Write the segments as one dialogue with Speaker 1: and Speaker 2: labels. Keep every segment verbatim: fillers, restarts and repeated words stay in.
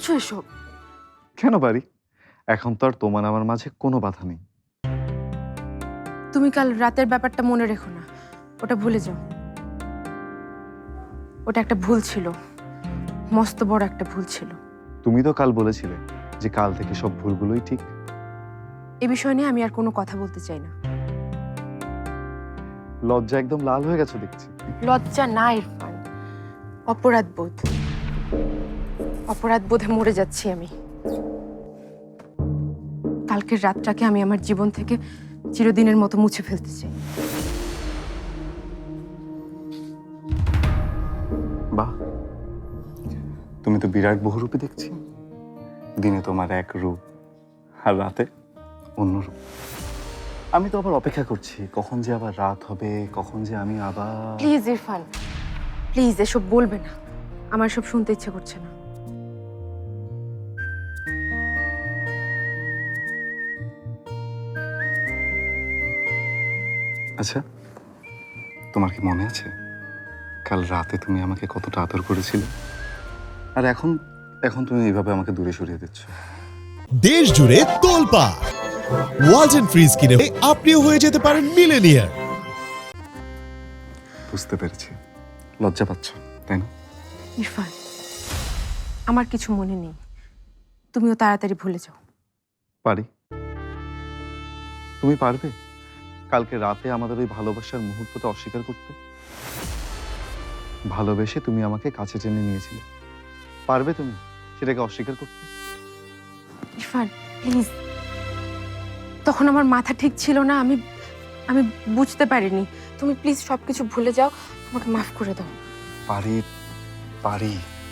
Speaker 1: বলছো এসব?
Speaker 2: কেন পারি? এখন তো আর তোমার আমার মাঝে কোনো বাধা নেই।
Speaker 1: তুমি কাল রাতের ব্যাপারটা মনে রেখো না, ওটা ভুলে যাও। ওটা একটা ভুল ছিল, মস্ত বড় একটা ভুল ছিল।
Speaker 2: তুমি তো কাল বলেছিলে যে কাল থেকে সব ভুলগুলোই ঠিক।
Speaker 1: এ বিষয় নিয়ে আমি আর কোনো কথা বলতে চাই না।
Speaker 2: লজ্জা একদম লাল হয়ে গেছে দেখছি।
Speaker 1: লজ্জা না ইরফান, অপরাধ বোধ। অপরাধ বোধে মরে যাচ্ছি আমি। কালকের রাতটাকে আমি আমার জীবন থেকে চিরদিনের মতো মুছে ফেলতে চাই।
Speaker 2: বাহ, তুমি তো বিরাট বহুরূপী দেখছি। দিনে তোমার এক রূপ আর রাতে অন্য রূপ। আমি তো আবার অপেক্ষা করছি কখন যে আবার রাত হবে, কখন যে আমি আবার।
Speaker 1: প্লিজ ইরফান, প্লিজ এসব বলবে না, আমার সব শুনতে ইচ্ছে করছে না।
Speaker 2: আচ্ছা, তোমার কি মনে আছে কাল রাতে তুমি আমাকে কতটা আদর করেছিলে? আর এখন এখন তুমি এইভাবে আমাকে দূরে সরিয়ে দিচ্ছ।
Speaker 3: দেশ জুড়ে তোলপাড় ওয়ালটন ফ্রিজ কিনে আপনিও হয়ে যেতে পারেন মিলেনিয়ার।
Speaker 2: বুঝতে পেরেছি, লজ্জা পাচ্ছ তাই না?
Speaker 1: ইরফান, আমার কিছু মনে নেই, তুমিও তাড়াতাড়ি ভুলে যাও।
Speaker 2: পারি? তুমি পারবে কালকে রাতে আমাদের ওই ভালোবাসার মুহূর্তটা অস্বীকার করতে? ভালোবেসে তুমি আমাকে কাছে টেনে নিয়েছিলে, পারবে তুমি সেটাকে অস্বীকার করতে?
Speaker 1: ইরফান প্লিজ, তখন আমার মাথা ঠিক ছিল না, আমি আমি বুঝতে পারিনি। তুমি প্লিজ সবকিছু ভুলে যাও, আমাকে মাফ করে দাও।
Speaker 2: পারি, পারি।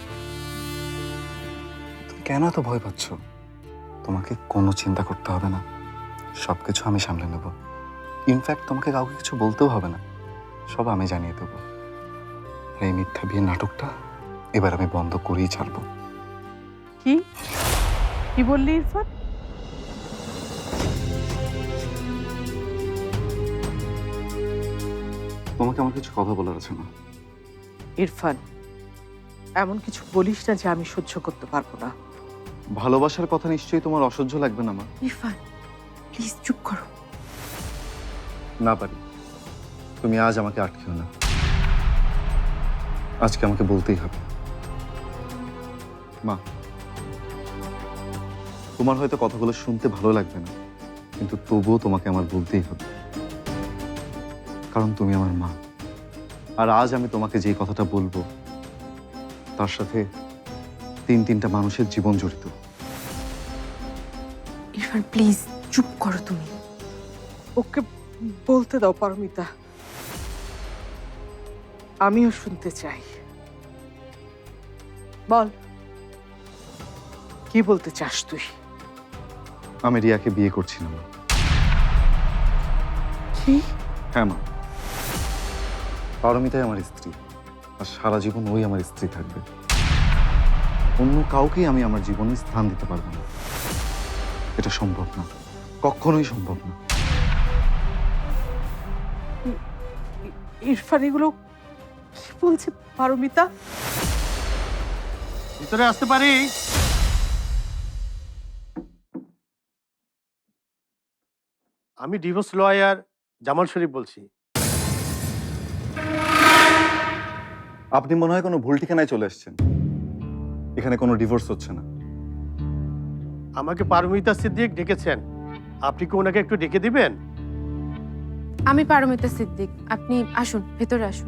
Speaker 2: তুমি কেন এত ভয় পাচ্ছ? তোমাকে কোনো চিন্তা করতে হবে না, সবকিছু আমি সামলে নেব। ইনফ্যাক্ট তোমাকে কাউকে কিছু বলতেও হবে না, সব আমি জানিয়ে দেবো। এই মিথ্যা বিয়ের নাটকটা এবার আমি বন্ধ করেই ছাড়বো।
Speaker 4: কি কি বললি ইরফান?
Speaker 2: তোমাকে আমার কিছু কথা বলার আছে না।
Speaker 4: ইরফান, এমন কিছু বলিস না যে আমি সহ্য করতে পারবো না।
Speaker 2: ভালোবাসার কথা নিশ্চয়ই তোমার অসহ্য লাগবে না মা।
Speaker 1: ইরফান প্লিজ চুপ করো।
Speaker 2: না পারি, তুমি আজ আমাকে আটকেও না, আজকে আমাকে বলতেই হবে। মা, তোমার হয়তো কথাগুলো শুনতে ভালো লাগবে না, কিন্তু তবুও তোমাকে আমার বলতেই হবে, কারণ তুমি আমার মা। আর আজ আমি তোমাকে যে কথাটা বলবো তার সাথে তিন তিনটা মানুষের জীবন জড়িত।
Speaker 1: ইরফান প্লিজ চুপ করো তুমি।
Speaker 4: ওকে বলতে দাও পারমিতা, আমিও শুনতে চাই। বল, কি বলতে চাস তুই?
Speaker 2: আমি রিয়াকে বিয়ে করছি না মা।
Speaker 4: কি?
Speaker 2: হ্যাঁ মা, পারমিতাই আমার স্ত্রী, আর সারা জীবন ওই আমার স্ত্রী থাকবে। অন্য কাউকেই আমি আমার জীবনে স্থান দিতে পারবো না, এটা সম্ভব না, কখনোই সম্ভব না।
Speaker 4: ইরফান এগুলো কি বলছে পারমিতা?
Speaker 5: ভিতরে আসতে পারি? আমি ডিভোর্স লয়ার জামাল শরীফ বলছি।
Speaker 2: আপনি মনে হয় কোনো ভুল ঠিকানায় চলে এসেছেন, এখানে কোনো ডিভোর্স হচ্ছে না।
Speaker 5: আমাকে পারমিতা সিদ্দিক ডেকেছেন, আপনি কি ওনাকে একটু ডেকে দিবেন?
Speaker 1: আমি পারমিতা সিদ্দিক, আপনি আসুন, ভেতরে আসুন।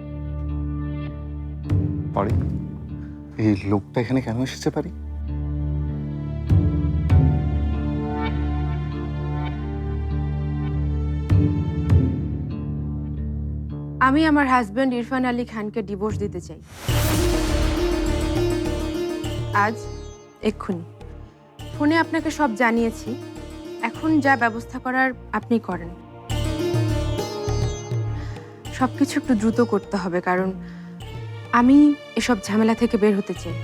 Speaker 2: পারি, এই লোকটা এখানে কেন এসেছে পারি?
Speaker 1: আমি আমার হাজবেন্ড ইরফান আলী খানকে ডিভোর্স দিতে চাই, আজ এক্ষুনি। ফোনে আপনাকে সব জানিয়েছি, এখন যা ব্যবস্থা করার আপনি করেন। সবকিছু একটু দ্রুত করতে হবে, কারণ আমি এসব ঝামেলা থেকে বের হতে চাই।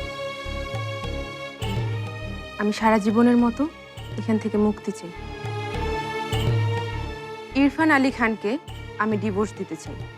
Speaker 1: আমি সারা জীবনের মতো এখান থেকে মুক্তি চাই। ইরফান আলী খানকে আমি ডিভোর্স দিতে চাই।